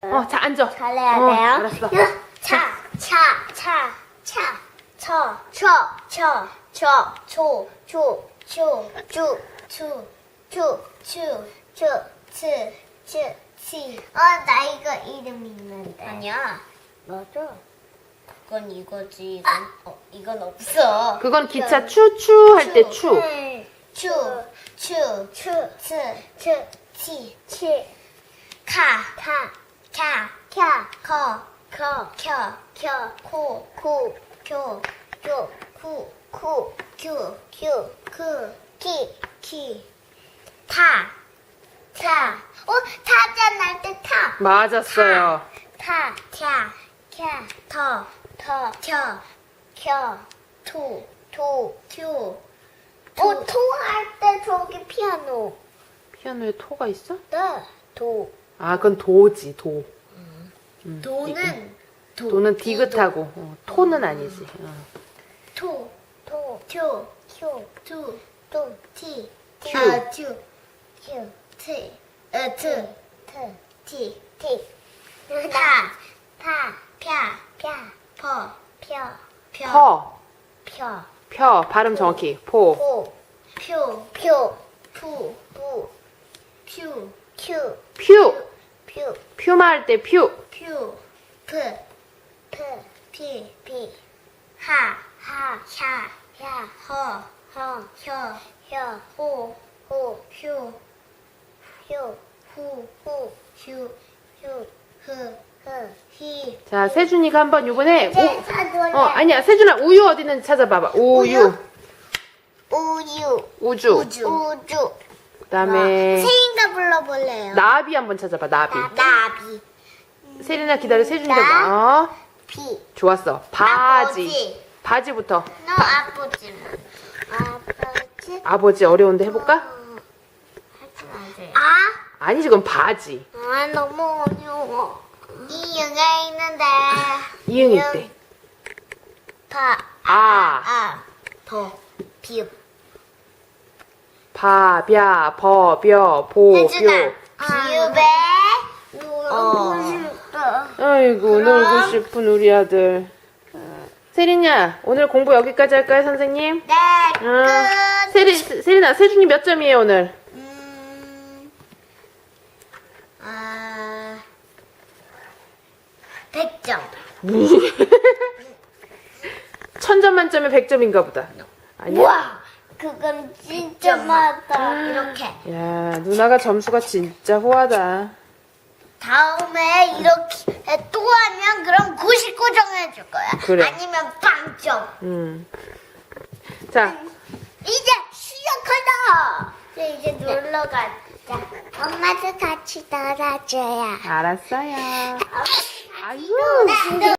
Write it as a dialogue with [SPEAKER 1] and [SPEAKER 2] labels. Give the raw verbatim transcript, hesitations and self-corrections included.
[SPEAKER 1] 어, 자, 앉아.
[SPEAKER 2] 잘해야
[SPEAKER 1] 어,
[SPEAKER 2] 돼요.
[SPEAKER 1] 알았어.
[SPEAKER 2] 차, 차, 차, 차, 쳐, 쳐, 쳐, 쳐, 초, 초, 초, 쭈, 추, 추, 추, 추, 츠, 츠, 치. 어, 나 이거 이름 있는데.
[SPEAKER 3] 아니야.
[SPEAKER 2] 맞아.
[SPEAKER 3] 그건 이거지. 이건, 어, 이건 없어.
[SPEAKER 1] 그건 기차 추추 할 때 추.
[SPEAKER 2] 추, 추, 추, 츠, 츠, 치, 치. 카, 카, 캬, 캬, 커, 커, 켜, 켜, 코, 코, 교, 교, 쿠, 쿠, 큐, 큐, 크, 키, 키. 타, 타. 어, 타자 날때 타.
[SPEAKER 1] 맞았어요.
[SPEAKER 2] 타, 캬, 캬, 터, 터, 켜, 켜, 투, 투, 튜. 어, 토할 때 저기 피아노.
[SPEAKER 1] 피아노에 토가 있어?
[SPEAKER 2] 네, 도.
[SPEAKER 1] 아, 그건 도지, 도. 음,
[SPEAKER 2] 도는 도.
[SPEAKER 1] 도는 디귿하고, 어, 토는 아니지. 어.
[SPEAKER 2] 토, 토, 큐, 큐, 투, 또, 티, 티,
[SPEAKER 1] 큐.
[SPEAKER 2] 어, 큐, 큐, 티, 어, 트, 트, 티, 티. 타, 타, 펴, 펴, 퍼, 펴, 펴,
[SPEAKER 1] 퍼,
[SPEAKER 2] 펴,
[SPEAKER 1] 펴, 발음 정확히. 포,
[SPEAKER 2] 포, 표, 표, 푸, 푸, 퓨, 큐,
[SPEAKER 1] 퓨.
[SPEAKER 2] 퓨,
[SPEAKER 1] 퓨마 할 때 퓨.
[SPEAKER 2] 퓨, 프, 프, 피, 피, 하, 하, 샤, 야, 허, 허, 혀, 혀, 호, 호, 휴, 휴, 후, 후, 휴, 휴, 흐, 흐, 히.
[SPEAKER 1] 자, 세준이가 한번 요번에
[SPEAKER 2] 이제
[SPEAKER 1] 우,
[SPEAKER 2] 사돌래.
[SPEAKER 1] 어, 아니야. 세준아, 우유 어디 있는지 찾아봐봐. 우유.
[SPEAKER 2] 우유,
[SPEAKER 1] 우주.
[SPEAKER 2] 우주, 우주.
[SPEAKER 1] 그 다음에
[SPEAKER 2] 세인가 불러볼래요?
[SPEAKER 1] 나비 한번 찾아봐. 나비.
[SPEAKER 2] 나비,
[SPEAKER 1] 세린아 기다려. 세준이가
[SPEAKER 2] 나.
[SPEAKER 1] 뭐- 어,
[SPEAKER 2] 비.
[SPEAKER 1] 좋았어. 바지.
[SPEAKER 2] 아버지.
[SPEAKER 1] 바지부터.
[SPEAKER 2] 너 아버지. 아버지.
[SPEAKER 1] 아버지 어려운데 해볼까?
[SPEAKER 2] 하지 마세요. 아?
[SPEAKER 1] 아니지, 그건 바지.
[SPEAKER 2] 아, 너무 어려워. 이응에 있는데.
[SPEAKER 1] 이응이 있대.
[SPEAKER 2] 바,
[SPEAKER 1] 아,
[SPEAKER 2] 아, 더, 비읍.
[SPEAKER 1] 바, 벼, 버, 벼, 보,
[SPEAKER 2] 해주나.
[SPEAKER 1] 벼.
[SPEAKER 2] 비읍에 놀고 싶다.
[SPEAKER 1] 아이고, 놀고 싶은 우리 아들. 세린야, 오늘 공부 여기까지 할까요, 선생님?
[SPEAKER 2] 네,
[SPEAKER 1] 응.
[SPEAKER 2] 끝.
[SPEAKER 1] 세린, 세린아, 세준이 몇 점이에요, 오늘?
[SPEAKER 2] 음, 아, 백 점.
[SPEAKER 1] 천 점 만점에 백 점인가 보다. 아니야?
[SPEAKER 2] 우와, 그건 진짜 많다. 이렇게.
[SPEAKER 1] 야, 누나가 점수가 진짜 호하다.
[SPEAKER 2] 다음에 이렇게 또 하면 그럼 구십구 점 해줄 거야.
[SPEAKER 1] 그래.
[SPEAKER 2] 아니면 빵점.
[SPEAKER 1] 음. 자,
[SPEAKER 2] 이제 시작하자. 이제, 이제 놀러 가자. 엄마도 같이 놀아줘야.
[SPEAKER 1] 알았어요.
[SPEAKER 2] 엄마,
[SPEAKER 1] 아이고.
[SPEAKER 2] 나도